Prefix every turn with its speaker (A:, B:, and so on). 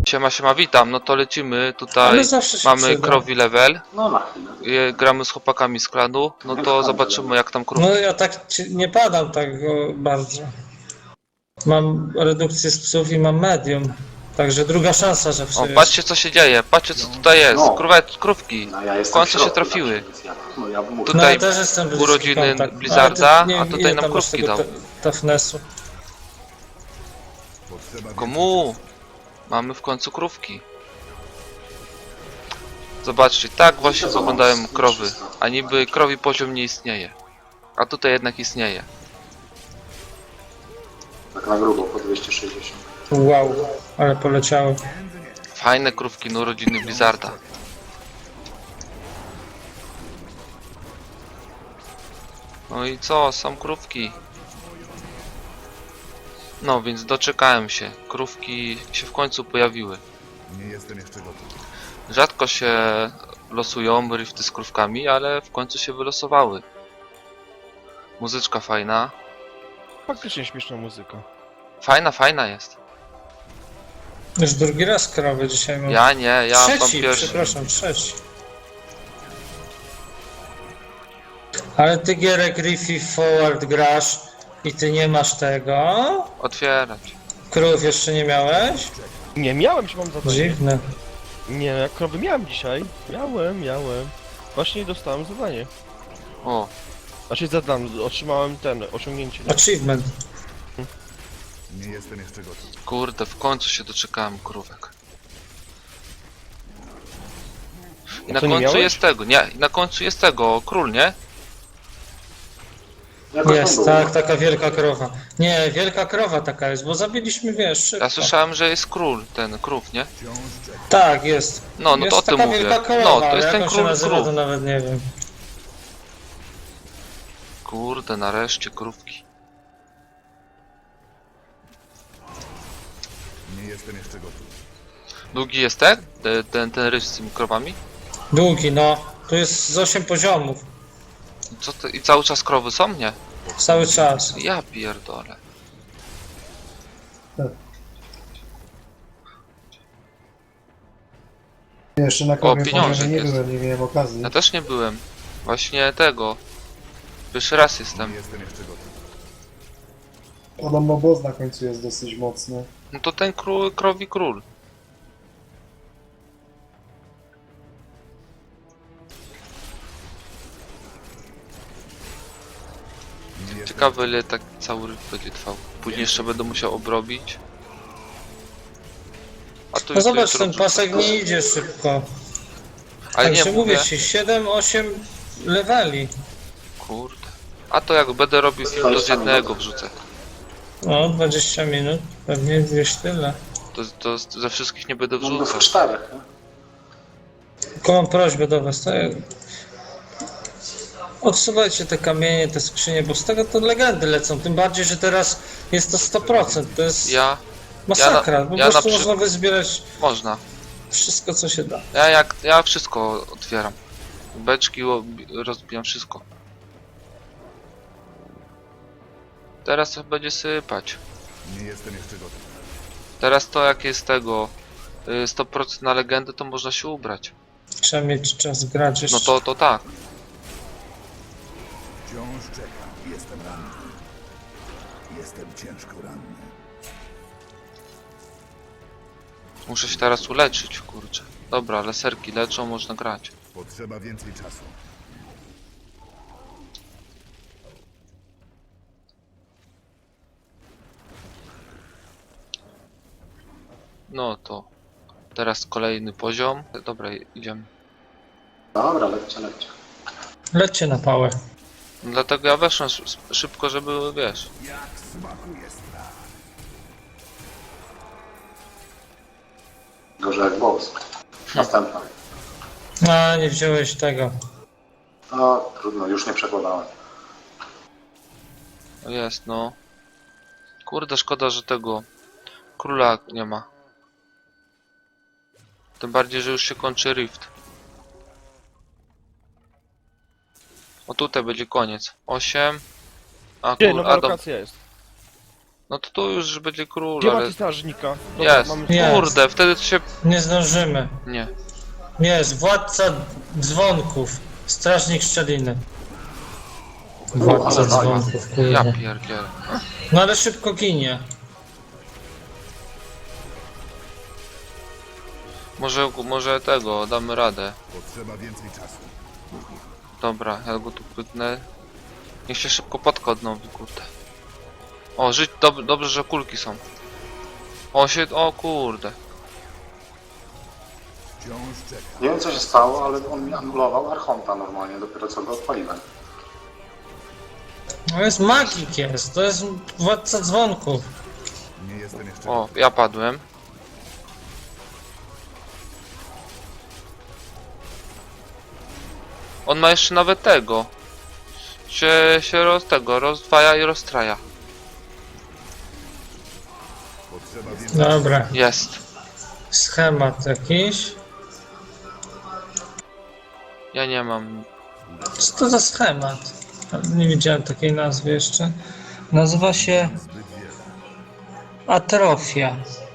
A: Siema, siema, witam. No to lecimy. Tutaj
B: Ale zawsze się
A: mamy
B: przyda.
A: krowi level.
C: No na chwilę.
A: Gramy z chłopakami z klanu. No to zobaczymy jak tam krówki.
B: No ja tak nie padam tak bardzo. Mam redukcję z psów i mam medium. Także druga szansa, że
A: O,
B: wszyscy.
A: patrzcie co się dzieje. Patrzcie co tutaj jest.
C: No.
A: Krówki.
C: No, ja
A: W
C: jestem
A: końcu się
C: środku
A: trafiły.
C: zawsze, więc ja, no ja muszę.
A: Tutaj
B: ja też jestem bliski
A: urodziny
B: kontakt.
A: Blizzarda,
B: Ale ty, nie
A: a
B: wiem,
A: tutaj
B: ile
A: nam
B: tam masz
A: krówki
B: tego
A: dał.
B: Toughnessu.
A: Komu? Mamy w końcu krówki. Zobaczcie, tak właśnie
C: co
A: wyglądają
C: mam?
A: krowy. A niby krowi poziom nie istnieje. A tutaj jednak istnieje.
C: Tak na grubo, po 260.
B: Wow, ale poleciały.
A: Fajne krówki, no urodziny Blizzarda. No i co, są krówki. No więc doczekałem się. Krówki się w końcu pojawiły.
D: Nie jestem jeszcze gotów.
A: Rzadko się losują rifty z krówkami, ale w końcu się wylosowały. Muzyczka fajna.
E: Faktycznie śmieszna muzyka.
A: Fajna jest.
B: Już drugi raz krowy dzisiaj mam.
A: Ja nie, ja mam
B: Trzeci,
A: pierwszy.
B: przepraszam, trzeci. Ale ty Gierek Riffy Forward grasz i ty nie masz tego?
A: Otwierać.
B: Krów jeszcze nie miałeś?
E: Nie, miałem, że mam zadanie.
B: Dziwne.
E: Nie, jak krowy miałem dzisiaj. Miałem. Właśnie dostałem zadanie.
A: O,
E: Znaczy otrzymałem osiągnięcie.
B: Achievement.
D: Nie jestem jeszcze gotów.
A: kurde, w końcu się doczekałem krówek. I na
E: co, nie
A: końcu
E: miałeś?
A: jest tego, nie, i na końcu jest tego, król, nie?
C: Jakoś tam
B: Jest,
C: było.
B: tak, taka wielka krowa. Nie, wielka krowa taka jest, bo zabiliśmy, wiesz, szybko.
A: Ja słyszałem, że jest król, ten krów, nie?
B: Tak, jest.
A: No
B: Jest
A: to o tym
B: taka
A: mówię.
B: wielka krowa,
A: No, to
B: ale
A: jest
B: jak
A: ten
B: on się
A: król
B: nazywa,
A: krów.
B: to nawet nie wiem.
A: Kurde, nareszcie krówki.
D: Nie jestem jeszcze gotów.
A: Długi jest ten ryż z tymi krowami?
B: Długi, no. Tu jest z 8 poziomów.
A: Co to, i cały czas krowy są, nie?
B: Cały czas.
A: Ja pierdolę.
F: Jeszcze na krowie
A: pieniążek
F: nie
A: jest.
F: byłem, nie miałem okazji.
A: Ja też nie byłem. Właśnie tego. Pierwszy raz jestem.
D: Nie jestem jeszcze gotów.
F: Podobno boss na końcu jest dosyć mocny.
A: No to ten krowi król.
D: Nie jestem
A: Ciekawe ile tak cały ryb będzie trwał. Później jeszcze będę musiał obrobić. A tu
B: No zobacz,
A: jutro
B: ten
A: wrzucę.
B: pasek nie idzie szybko.
A: Ale nie
B: Także mówię
A: mówię.
B: ci, 7-8 leveli.
A: Kurde. A to jak będę robił film, to z jednego wrzucę.
B: No, 20 minut. Pewnie gdzieś tyle.
A: To ze wszystkich nie będę
C: No, w
A: wrzucał.
C: 4. Nie?
B: Tylko mam prośbę do was. Odsuwajcie te kamienie, te skrzynie, bo z tego to legendy lecą. Tym bardziej, że teraz jest to 100%. To jest
A: Ja
B: masakra. Po
A: ja na
B: prostu
A: przy-
B: można wyzbierać
A: można.
B: wszystko, co się da.
A: Ja wszystko otwieram. Beczki rozbijam wszystko. Teraz to będzie sypać.
D: Nie jestem jeszcze gotów.
A: Teraz to jak jest tego 100% na legendę, to można się ubrać.
B: Trzeba mieć czas grać jeszcze.
A: No to tak.
D: Wciąż czekam. Jestem ranny. Jestem ciężko ranny.
A: Muszę się teraz uleczyć, kurczę. Dobra, laserki leczą, można grać.
D: Potrzeba więcej czasu.
A: No to teraz kolejny poziom. Dobra, idziemy.
C: Dobra, lećcie.
B: Lećcie na pałę.
A: Dlatego ja weszłem szybko, żeby wiesz.
D: Jak smakuje strach.
C: Gorzej jak boss. Następna.
B: A, nie wziąłeś tego.
C: No, trudno, już nie przekładałem.
A: Jest, no. Kurde, szkoda, że tego króla nie ma. Tym bardziej, że już się kończy rift. O tutaj będzie koniec. 8. A
E: Gdzie,
A: król,
E: nowa
A: Adam.
E: lokacja jest.
A: No to tu już będzie król,
E: Gdzie
A: ale...
E: macie strażnika? Dobra,
A: Jest.
E: mamy...
B: Jest.
A: Kurde, wtedy to się...
B: Nie zdążymy.
A: Nie.
B: Jest, władca dzwonków. Strażnik szczeliny. Władca
C: ale
B: dzwonków,
A: Ja
B: kurde.
A: pierdzielę.
B: No ale szybko ginie.
A: Może tego, damy radę.
D: Potrzeba więcej czasu.
A: Dobra, ja go tu pyknę. Niech się szybko podka odnowi, kurde. O, żyć, dobrze, że kulki są. O kurde.
D: Wciąż czekam.
C: Nie wiem co się stało, ale on mi anulował Archonta normalnie, dopiero co go odpaliłem.
B: No jest magik jest, to jest władca dzwonków.
D: Nie jestem jeszcze...
A: O, ja padłem. On ma jeszcze nawet tego. Się rozdwaja i rozstraja.
D: Potrzeba więcej...
B: Dobra,
A: Jest.
B: schemat jakiś.
A: Ja nie mam.
B: Co to za schemat? Nie widziałem takiej nazwy jeszcze. Nazywa się
D: Zbyt wiele.
B: atrofia.